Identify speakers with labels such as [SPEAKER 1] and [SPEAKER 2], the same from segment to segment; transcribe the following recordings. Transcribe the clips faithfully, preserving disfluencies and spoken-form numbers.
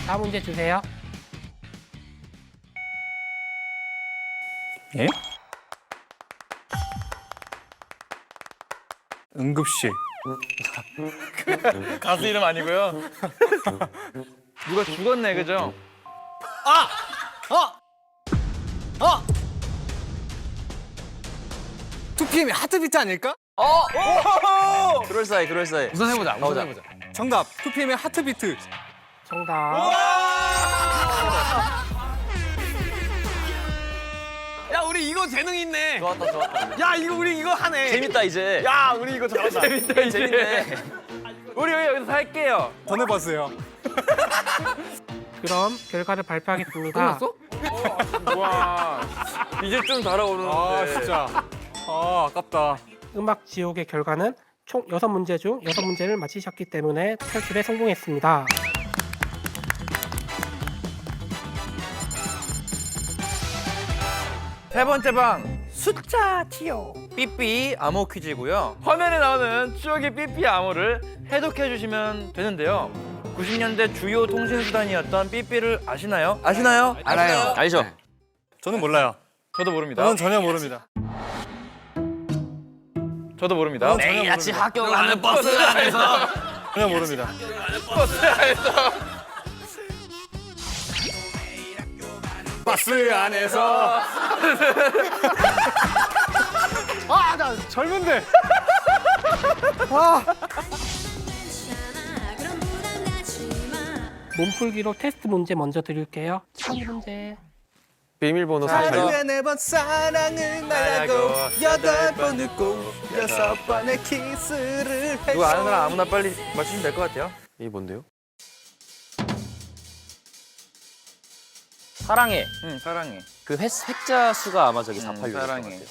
[SPEAKER 1] 다음 문제 주세요.
[SPEAKER 2] 예? 응급실.
[SPEAKER 3] 가수 이름 아니고요. 누가 죽었네, 그죠?
[SPEAKER 2] 투피엠이 하트비트 아닐까?
[SPEAKER 4] 그럴싸해, 그럴싸해.
[SPEAKER 5] 우선 해보자. 우선 해보자.
[SPEAKER 2] 정답. 투피엠의 하트비트.
[SPEAKER 1] 정답.
[SPEAKER 5] 야, 우리 이거 재능 있네.
[SPEAKER 4] 좋았다, 좋았다.
[SPEAKER 5] 야, 이거 우리 이거 하네.
[SPEAKER 4] 재밌다, 이제.
[SPEAKER 5] 야, 우리 이거 잘한다.
[SPEAKER 3] 재밌다, 이제.
[SPEAKER 4] 재밌네.
[SPEAKER 3] 우리 여기서 살게요.
[SPEAKER 2] 전해봤어요.
[SPEAKER 1] 그럼 결과를 발표하겠습니다.
[SPEAKER 5] 끝났어?
[SPEAKER 3] 와, 이제 좀 달아오르는데.
[SPEAKER 2] 아 진짜. 아 아깝다.
[SPEAKER 1] 음악 지옥의 결과는 총 여섯 문제 중 여섯 문제를 맞히셨기 때문에 탈출에 성공했습니다.
[SPEAKER 3] 세 번째 방 숫자 티오 삐삐 암호 퀴즈고요. 화면에 나오는 추억의 삐삐 암호를 해독해 주시면 되는데요. 구십 년대 주요 통신 수단이었던 삐삐를 아시나요? 아시나요?
[SPEAKER 5] 알아요.
[SPEAKER 4] 알죠?
[SPEAKER 2] 저는 몰라요.
[SPEAKER 3] 저도 모릅니다.
[SPEAKER 2] 저는 전혀 모릅니다.
[SPEAKER 3] 저도 모릅니다.
[SPEAKER 2] 저는 전혀
[SPEAKER 4] 매일 아침
[SPEAKER 2] 모릅니다.
[SPEAKER 4] 학교 가는 버스 안에서.
[SPEAKER 2] 전혀 모릅니다. 버스 안에서. 아, 나 젊은데.
[SPEAKER 1] 몸풀기로 테스트 문제 먼저 드릴게요. 첫 문제.
[SPEAKER 5] 비밀번호
[SPEAKER 2] 하루에 네 번 사랑을 말하고 여덟 번 웃고 여섯 번의 키스를 했어.
[SPEAKER 3] 누가 아는 사람 아무나 빨리 맞추시면 될 것 같아요.
[SPEAKER 5] 이게 뭔데요?
[SPEAKER 4] 사랑해.
[SPEAKER 3] 응, 사랑해.
[SPEAKER 4] 그 획, 획자 수가 아마 저기
[SPEAKER 3] 음,
[SPEAKER 4] 사팔육 일 것
[SPEAKER 3] 사랑해.
[SPEAKER 4] 같아요.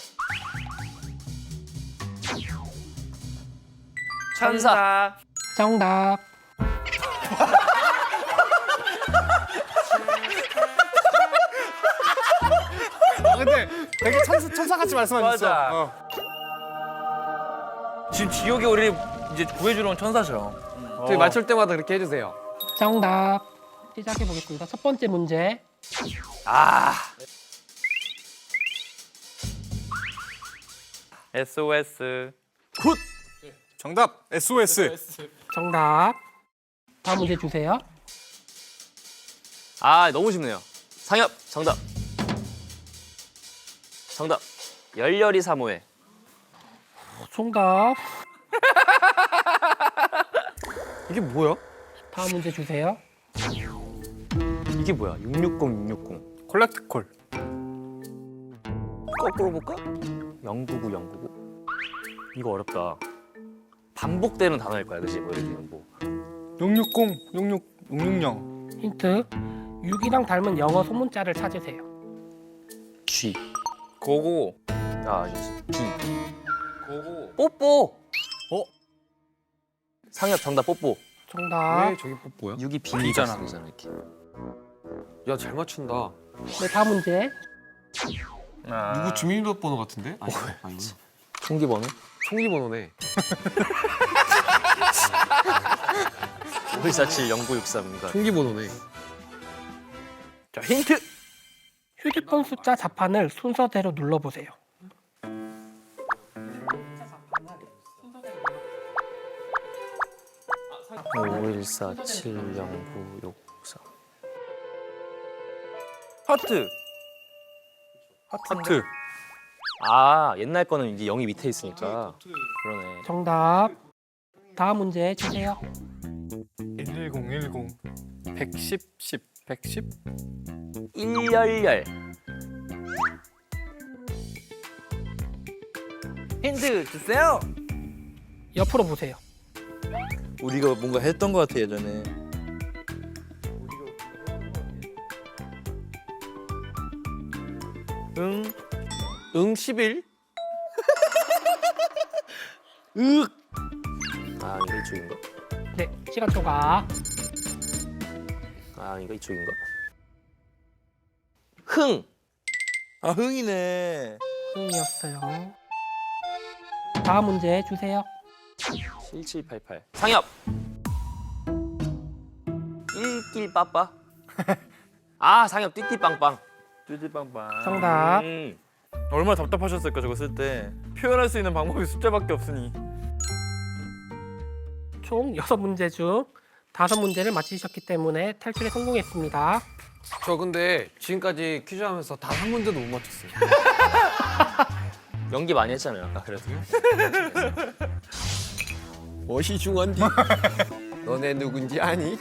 [SPEAKER 3] 천사.
[SPEAKER 1] 정답.
[SPEAKER 2] 아, 근데 되게 천사, 천사같이 말씀하셨어.
[SPEAKER 3] 맞아.
[SPEAKER 2] 어.
[SPEAKER 3] 지금 지옥에 우리 이제 구해주러 온 천사죠.
[SPEAKER 5] 저희 맞출 때마다 그렇게 해주세요.
[SPEAKER 1] 정답. 시작해 보겠습니다. 첫 번째 문제.
[SPEAKER 4] 아,
[SPEAKER 3] 에스오에스.
[SPEAKER 2] 정답. 에스오에스.
[SPEAKER 1] 정답. 다음 문제 주세요.
[SPEAKER 4] 아 너무 쉽네요. 상엽, 정답. 정답. 열렬히 사모해.
[SPEAKER 1] 정답.
[SPEAKER 5] 이게 뭐야?
[SPEAKER 1] 다음 문제 주세요.
[SPEAKER 4] 이게 뭐야? 육육공, 육육공.
[SPEAKER 2] 콜렉트콜.
[SPEAKER 4] 거꾸로 볼까? 영구구, 영구구. 이거 어렵다. 반복되는 단어일 거야, 그치? 뭐 예를 들면 뭐.
[SPEAKER 2] 육육공, 육육, 육육영.
[SPEAKER 1] 힌트. 육이랑 닮은 영어 소문자를 찾으세요.
[SPEAKER 4] G.
[SPEAKER 3] 고고.
[SPEAKER 4] 아, 아니지. B.
[SPEAKER 3] 고고.
[SPEAKER 4] 뽀뽀.
[SPEAKER 2] 어?
[SPEAKER 4] 상엽, 정답 뽀뽀.
[SPEAKER 1] 정답.
[SPEAKER 5] 왜 저기 뽀뽀야?
[SPEAKER 4] 육이 비잖아. 이렇게.
[SPEAKER 5] 야, 잘 맞춘다.
[SPEAKER 1] 네, 다음 문제.
[SPEAKER 3] 아.
[SPEAKER 5] 누구 주민번호 같은데? 아니, 아니.
[SPEAKER 4] 총기번호?
[SPEAKER 5] 총기번호네.
[SPEAKER 4] 오일사칠 영구육삼인가.
[SPEAKER 5] 총기번호네.
[SPEAKER 3] 자, 힌트.
[SPEAKER 1] 휴대폰 숫자 자판을 순서대로 눌러보세요.
[SPEAKER 4] 오일사칠 영구육삼.
[SPEAKER 3] 하트.
[SPEAKER 2] 하트.
[SPEAKER 4] 아, 옛날 거는 이제 영이 밑에 있으니까. 그러네.
[SPEAKER 1] 정답. 다음 문제 주세요.
[SPEAKER 2] 일일공, 일공. 백십, 십, 백십.
[SPEAKER 4] 일열열.
[SPEAKER 3] 힌트 주세요.
[SPEAKER 1] 옆으로 보세요.
[SPEAKER 3] 우리가 뭔가 했던 것 같아 예전에. 응.
[SPEAKER 5] 응 십일?
[SPEAKER 4] 아, 이거 이쪽인가?
[SPEAKER 1] 네, 시간 초과.
[SPEAKER 4] 아, 이거 이쪽인가? 흥.
[SPEAKER 3] 아 흥이네.
[SPEAKER 1] 흥이었어요. 다음 문제 주세요.
[SPEAKER 4] 칠칠팔팔. 상엽. 일길 빠빠. 아 상엽 띠띠빵빵.
[SPEAKER 3] 뚜지빵빵.
[SPEAKER 1] 정답.
[SPEAKER 4] 음.
[SPEAKER 3] 얼마나 답답하셨을까 저거 쓸 때. 표현할 수 있는 방법이 숫자밖에 없으니.
[SPEAKER 1] 총 여섯 문제 중 다섯 문제를 맞히셨기 때문에 탈출에 성공했습니다.
[SPEAKER 5] 저 근데 지금까지 퀴즈 하면서 단 한 문제도 못 맞췄어요.
[SPEAKER 4] 연기 많이 했잖아요 아까 그래도.
[SPEAKER 5] 멋이 중한디. 너네 누군지 아니?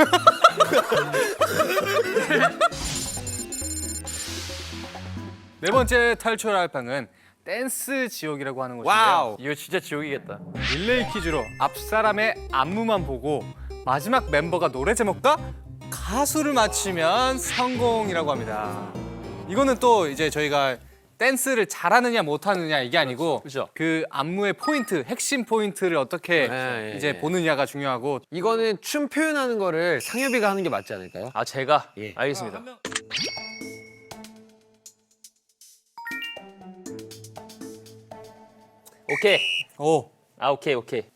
[SPEAKER 2] 네 번째 탈출할 방은 댄스 지옥이라고 하는 곳인데요.
[SPEAKER 5] 와우.
[SPEAKER 3] 이거 진짜 지옥이겠다.
[SPEAKER 2] 릴레이 퀴즈로 앞 사람의 안무만 보고 마지막 멤버가 노래 제목과 가수를 맞추면 성공이라고 합니다. 이거는 또 이제 저희가 댄스를 잘하느냐 못하느냐 이게 아니고
[SPEAKER 4] 그죠.
[SPEAKER 2] 그 안무의 포인트, 핵심 포인트를 어떻게
[SPEAKER 5] 네, 예,
[SPEAKER 2] 이제
[SPEAKER 5] 예.
[SPEAKER 2] 보느냐가 중요하고
[SPEAKER 5] 이거는 춤 표현하는 거를 상엽이가 하는 게 맞지 않을까요?
[SPEAKER 4] 아 제가
[SPEAKER 5] 예.
[SPEAKER 4] 알겠습니다. 오케이.
[SPEAKER 2] 오
[SPEAKER 4] 아 오케이 오케이.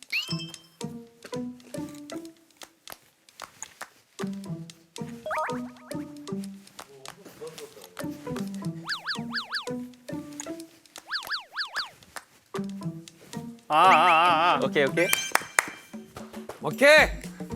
[SPEAKER 2] 아, 아, 아, 아.
[SPEAKER 4] 오케이 오케이.
[SPEAKER 5] 오케이.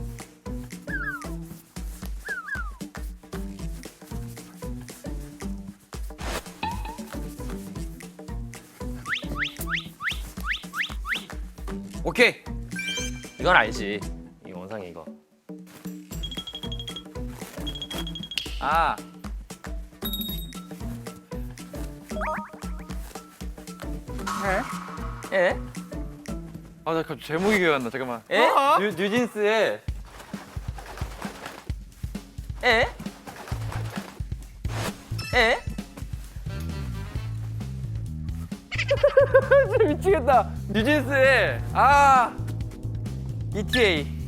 [SPEAKER 5] 오케이.
[SPEAKER 4] 이건 알지. 이 원상이 이거.
[SPEAKER 3] 아.
[SPEAKER 4] 에?
[SPEAKER 3] 아, 나 갑자기 제목이 기억 안 나. 잠깐만.
[SPEAKER 4] 에?
[SPEAKER 3] 뉴, 뉴진스의
[SPEAKER 4] 에? 에?
[SPEAKER 3] 미치겠다. 뉴진스의 아 이티에이.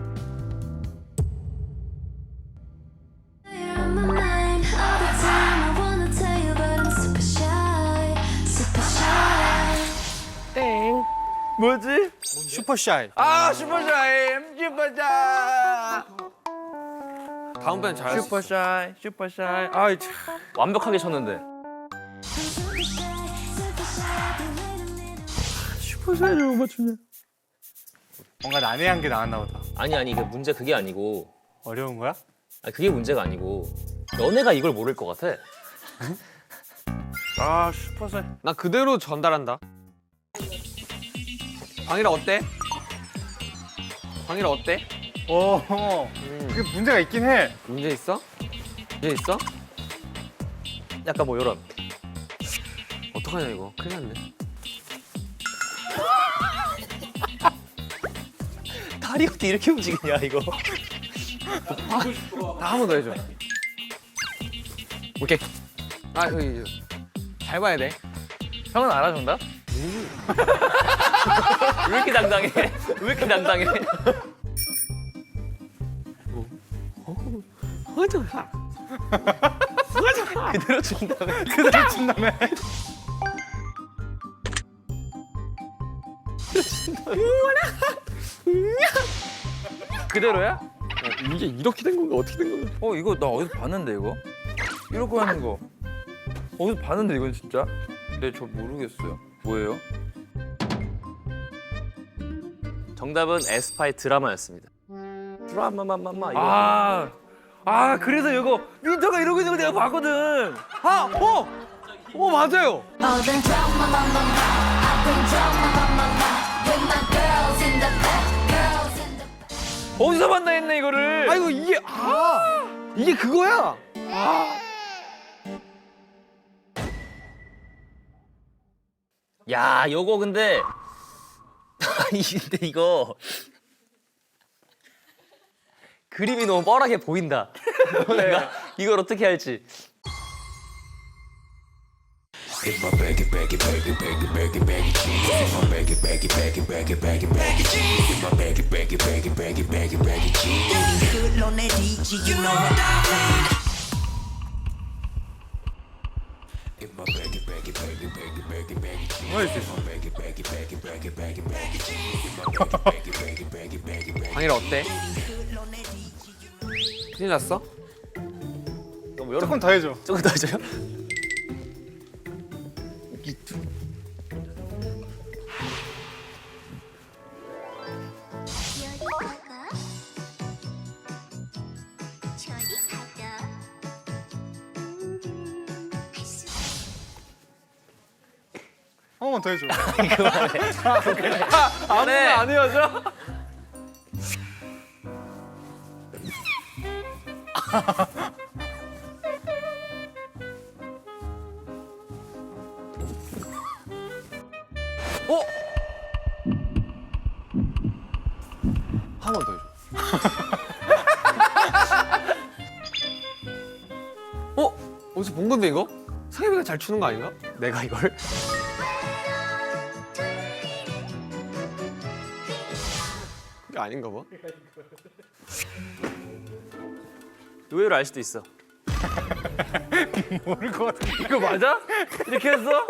[SPEAKER 6] You're on my mind all the time. I wanna tell you, but I'm super shy, super shy.
[SPEAKER 1] 땡.
[SPEAKER 3] 뭐지?
[SPEAKER 2] 슈퍼샤이.
[SPEAKER 3] 아 슈퍼샤이 슈퍼샤이
[SPEAKER 5] 다음번엔 잘할 수 있어.
[SPEAKER 3] 슈퍼샤이 슈퍼샤이. 아이 참.
[SPEAKER 4] 완벽하게 쳤는데.
[SPEAKER 6] I'm super shy, super shy. Be waiting.
[SPEAKER 3] 슈퍼샤이 못 맞추냐?
[SPEAKER 2] 뭔가 난해한 게 나왔나 보다.
[SPEAKER 4] 아니 아니 그 문제 그게 아니고.
[SPEAKER 2] 어려운 거야?
[SPEAKER 4] 아니 그게 문제가 아니고. 너네가 이걸 모를 것 같아.
[SPEAKER 3] 아 슈퍼샤이.
[SPEAKER 5] 나 그대로 전달한다. 광일아 어때? 광일아 어때?
[SPEAKER 2] 오, 그게 문제가 있긴 해.
[SPEAKER 5] 문제 있어? 문제 있어?
[SPEAKER 4] 약간 뭐 이런.
[SPEAKER 5] 어떡하냐 이거. 큰일 났네.
[SPEAKER 4] 다리 어떻게 이렇게 움직이냐 이거.
[SPEAKER 5] 다 한 번 더 해줘. 오케이. 아 여기 잘 봐야 돼.
[SPEAKER 3] 형은 알아 정답?
[SPEAKER 4] 왜 이렇게 당당해? 왜 이렇게 당당해? 그대로 준다며.
[SPEAKER 2] 그대로 친다며.
[SPEAKER 3] 그대로야?
[SPEAKER 5] 이게 이렇게 된 건가 어떻게 된 건가?
[SPEAKER 3] 어 이거 나 어디서 봤는데 이거? 이렇게 하는 거 어디서 봤는데 이건 진짜? 근데 저 모르겠어요. 뭐예요?
[SPEAKER 4] 정답은 에스파의 드라마였습니다. 드라마마마마 이거.
[SPEAKER 3] 아, 아 그래서 이거 윈터가 이러고 있는 거 내가 봤거든.
[SPEAKER 5] 아! 어! 어 맞아요!
[SPEAKER 6] All the drama, mama, I've been drama, mama, with my girls in the back, girls in the back.
[SPEAKER 3] 어디서 봤나 했네 이거를.
[SPEAKER 5] 아이고 이게 아! 이게 그거야!
[SPEAKER 4] 야, 요거 근데 아니 근데 이거 그림이 너무 뻔하게 보인다. 내가 이걸 어떻게 할지.
[SPEAKER 7] Good on that D G, you know what I mean.
[SPEAKER 5] 광일아 어때? 큰일 났어?
[SPEAKER 4] 뭐 여러
[SPEAKER 2] 조금 더 해줘.
[SPEAKER 4] 조금 더 해줘요?
[SPEAKER 2] 한 번 더 해줘.
[SPEAKER 3] 아무나 안 헤어져?
[SPEAKER 5] 한 번 더 해줘. 어? 어디서 본 건데 이거? 상엽이가 잘 추는 거 아닌가?
[SPEAKER 4] 내가 이걸?
[SPEAKER 5] 그게 아닌가 봐.
[SPEAKER 4] 의외로 알 수도 있어.
[SPEAKER 2] 모를 것 같은데.
[SPEAKER 3] 이거 맞아? 이렇게 했어?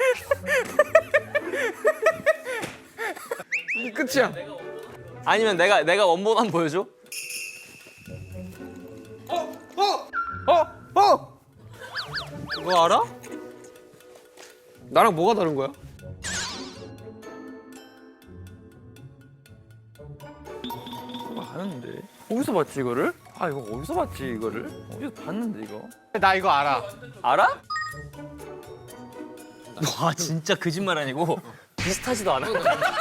[SPEAKER 5] 이게 끝이야.
[SPEAKER 4] 아니면 내가 내가 원본 한번 보여줘?
[SPEAKER 5] 그거 알아? 나랑 뭐가 다른 거야?
[SPEAKER 3] 이거 아는데. 어디서 봤지 이거를? 아 이거 어디서 봤지 이거를? 어디서 봤는데 이거?
[SPEAKER 2] 나 이거 알아.
[SPEAKER 4] 알아? 와 진짜 거짓말 아니고 비슷하지도 않아.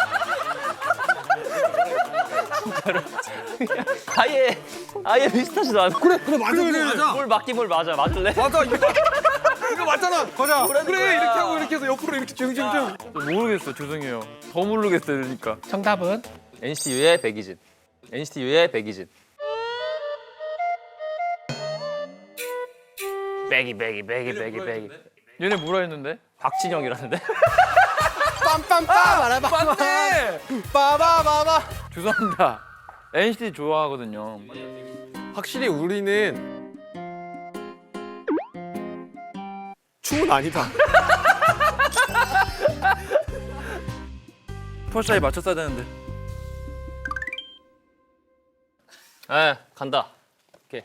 [SPEAKER 4] 진짜로. 아예 아예 비슷하지도 않아.
[SPEAKER 5] 그래 그래 맞아 그래 맞아.
[SPEAKER 4] 뭘 맞기 뭘 맞아 맞을래?
[SPEAKER 5] 맞아 이거 맞아. 이거 맞잖아.
[SPEAKER 2] 거자.
[SPEAKER 5] 그래 이렇게 하고 이렇게 해서 옆으로 이렇게 증증증.
[SPEAKER 3] 모르겠어 죄송해요. 더 모르겠어요 그러니까.
[SPEAKER 1] 정답은
[SPEAKER 4] 엔시티 U의 백이진. 엔시티 U의 백이진. 백이 백이 백이 백이 백이.
[SPEAKER 3] 얘네 뭐라 했는데?
[SPEAKER 4] 박진영이라는데?
[SPEAKER 2] 빰빰빰 알아봐.
[SPEAKER 3] 맞네!
[SPEAKER 2] 빠바바바.
[SPEAKER 3] 죄송합니다. 엔시티 좋아하거든요.
[SPEAKER 5] 확실히 우리는 춤은 아니다.
[SPEAKER 3] 펄샤에 맞췄어야 되는데.
[SPEAKER 4] 에 간다. 오케이.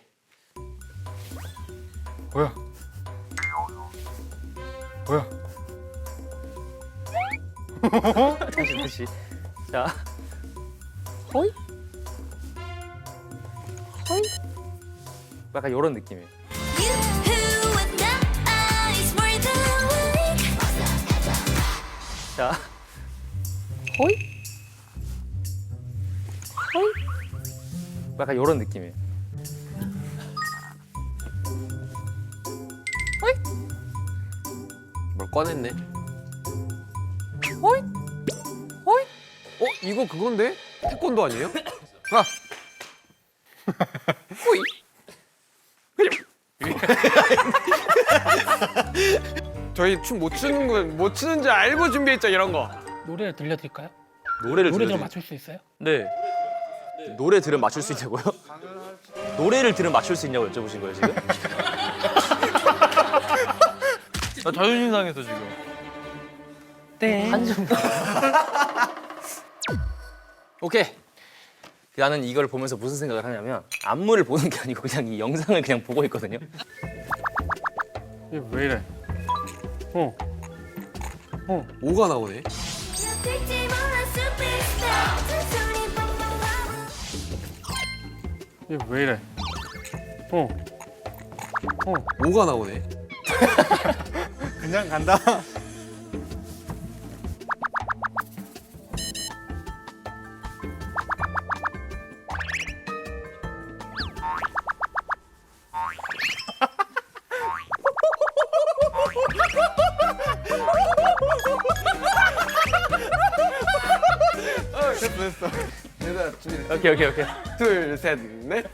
[SPEAKER 2] 뭐야? 뭐야?
[SPEAKER 4] 다시 다시. 자. 호이? 호이? 약간 이런 느낌이에요.
[SPEAKER 6] You who with the eyes more than weak.
[SPEAKER 4] 자. 호이? 호이? 약간 이런 느낌이에요.
[SPEAKER 5] 뭘 꺼냈네.
[SPEAKER 4] 호이? 호이?
[SPEAKER 5] 어 이거 그건데? 태권도 아니에요? 아.
[SPEAKER 4] 호이?
[SPEAKER 5] 저희 춤 못 추는 거 못 추는 줄 알고 준비했죠 이런 거.
[SPEAKER 1] 노래를 들려드릴까요?
[SPEAKER 4] 노래를
[SPEAKER 1] 노래 좀
[SPEAKER 4] 들으면
[SPEAKER 1] 맞출 수 있어요?
[SPEAKER 3] 네.
[SPEAKER 4] 노래 들으면 맞출 수 있냐고요? 노래를 들으면 맞출 수 있냐고 여쭤보신 거예요 지금?
[SPEAKER 3] 나 자존심 상해서 지금.
[SPEAKER 1] 네.
[SPEAKER 4] 한점 오케이. 나는 이걸 보면서 무슨 생각을 하냐면 안무를 보는 게 아니고 그냥 이 영상을 그냥 보고 있거든요.
[SPEAKER 2] 이게 왜 이래? 어.
[SPEAKER 5] 오가 나오네.
[SPEAKER 6] 될지 몰라 superstar. 잔소리 뻥뻥.
[SPEAKER 2] 이게 왜 이래? 어.
[SPEAKER 5] 오가 나오네.
[SPEAKER 2] 그냥 간다.
[SPEAKER 5] 됐어 됐어. 얘들아 준비.
[SPEAKER 4] 오케이 오케이 오케이.
[SPEAKER 5] 둘, 셋, 넷.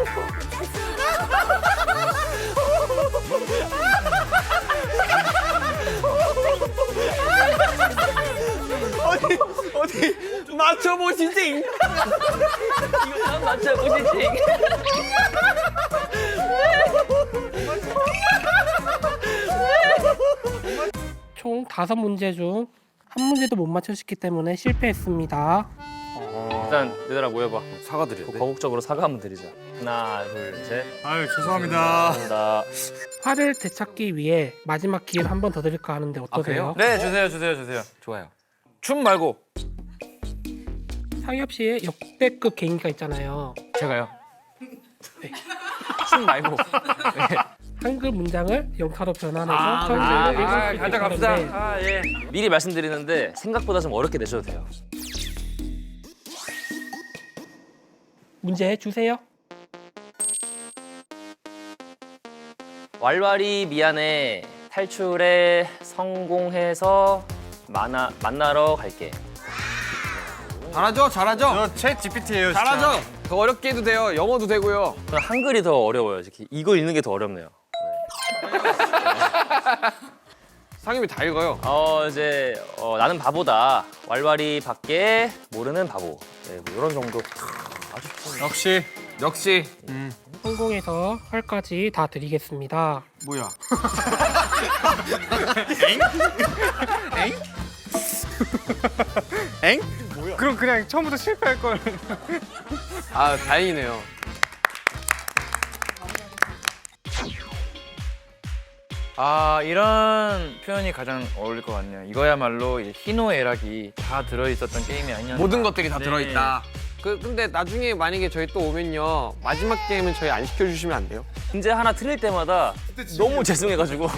[SPEAKER 5] 어디 어디 맞춰보시지.
[SPEAKER 4] 이거 한 맞춰보시지.
[SPEAKER 1] 총 다섯 문제 중 한 문제도 못 맞추셨기 때문에 실패했습니다.
[SPEAKER 2] 어.
[SPEAKER 4] 일단 얘들아 모여봐.
[SPEAKER 5] 사과드려.
[SPEAKER 4] 거국적으로 사과 한번 드리자. 하나, 둘, 셋.
[SPEAKER 2] 아유 죄송합니다.
[SPEAKER 4] 감사합니다.
[SPEAKER 1] 화를 되찾기 위해 마지막 기회를 한 번 더 드릴까 하는데 어떠세요?
[SPEAKER 3] 네, 주세요, 주세요, 주세요.
[SPEAKER 5] 좋아요.
[SPEAKER 3] 춤 말고
[SPEAKER 1] 상엽 씨의 역대급 개인기가 있잖아요.
[SPEAKER 4] 제가요. 춤 말고.
[SPEAKER 1] 한글 문장을 영타로 변환해서
[SPEAKER 3] 아,
[SPEAKER 1] 설명을
[SPEAKER 3] 아,
[SPEAKER 1] 읽을 수
[SPEAKER 3] 아,
[SPEAKER 1] 있게
[SPEAKER 3] 가자 갑시다.
[SPEAKER 1] 하는데
[SPEAKER 3] 아, 예.
[SPEAKER 4] 미리 말씀드리는데 생각보다 좀 어렵게 내셔도 돼요.
[SPEAKER 1] 문제 주세요.
[SPEAKER 4] 왈왈이 미안해. 탈출에 성공해서 만나 만나러 갈게.
[SPEAKER 5] 잘하죠, 잘하죠.
[SPEAKER 2] 저챗 지피티예요.
[SPEAKER 5] 잘하죠. 더 어렵게 해도 돼요. 영어도 되고요.
[SPEAKER 4] 그럼 한글이 더 어려워요. 이렇게. 이거 읽는 게 더 어렵네요.
[SPEAKER 5] 상엽이 다 읽어요.
[SPEAKER 4] 어 이제 어, 나는 바보다. 왈왈이 밖에 모르는 바보. 네, 뭐 이런 정도. 아주 좀
[SPEAKER 2] 역시
[SPEAKER 5] 역시
[SPEAKER 1] 성공해서 활까지 다 드리겠습니다.
[SPEAKER 5] 뭐야?
[SPEAKER 2] 엥? 그럼 그냥 처음부터 실패할 걸.
[SPEAKER 5] 아 다행이네요.
[SPEAKER 3] 아, 이런 표현이 가장 어울릴 것 같네요. 이거야말로 이제 희노애락이 다 들어있었던 게임이 아니었나.
[SPEAKER 5] 모든 것들이 다
[SPEAKER 3] 네.
[SPEAKER 5] 들어있다. 그 근데 나중에 만약에 저희 또 오면요 마지막 게임은 저희 안 시켜주시면 안 돼요?
[SPEAKER 4] 문제 하나 틀릴 때마다 너무 죄송해가지고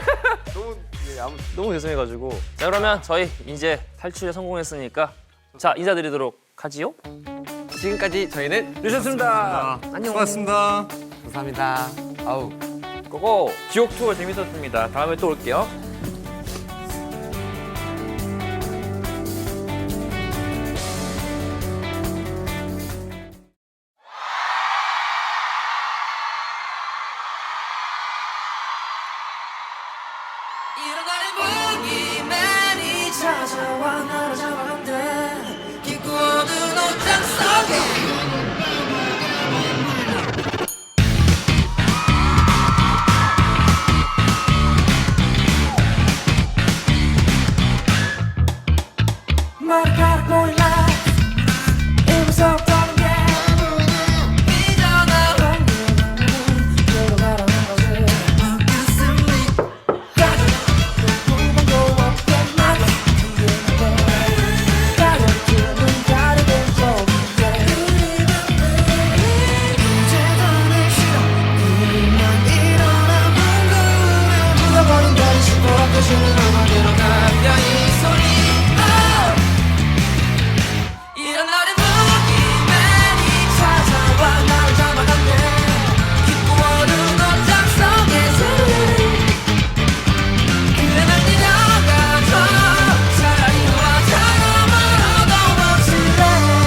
[SPEAKER 4] 너무 죄송해가지고 자 그러면 저희 이제 탈출에 성공했으니까 자 인사드리도록 하지요.
[SPEAKER 5] 지금까지 저희는
[SPEAKER 3] 늦었습니다.
[SPEAKER 4] 안녕.
[SPEAKER 2] 고맙습니다.
[SPEAKER 5] 감사합니다. 아우.
[SPEAKER 4] 고고.
[SPEAKER 3] 지옥 투어 재밌었습니다. 다음에 또 올게요.
[SPEAKER 7] 일어나는 보기만이 찾아와 나를 잡아간대 깊고 어두운 옷장 속에 머리카락 보일라 이 무섭던 게 삐져나온 그로 가라는 거지 가슴이 이런 날의 무기만이 찾아와 나를 잡아간대 깊고 어두운 옷장 속에서 그래 날 뛰어가줘 차라리 너와 멀어도 멋질래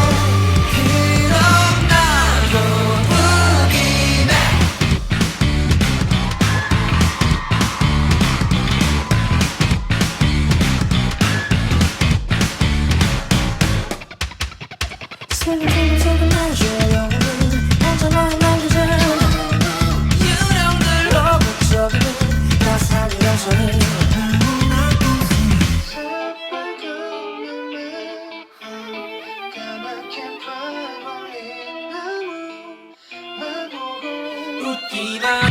[SPEAKER 7] 그럼 나도 무기네 슬금슬금 날줘요 혼자 너의 날개제 유령들로 북적이는 따스한 영선이 웃기만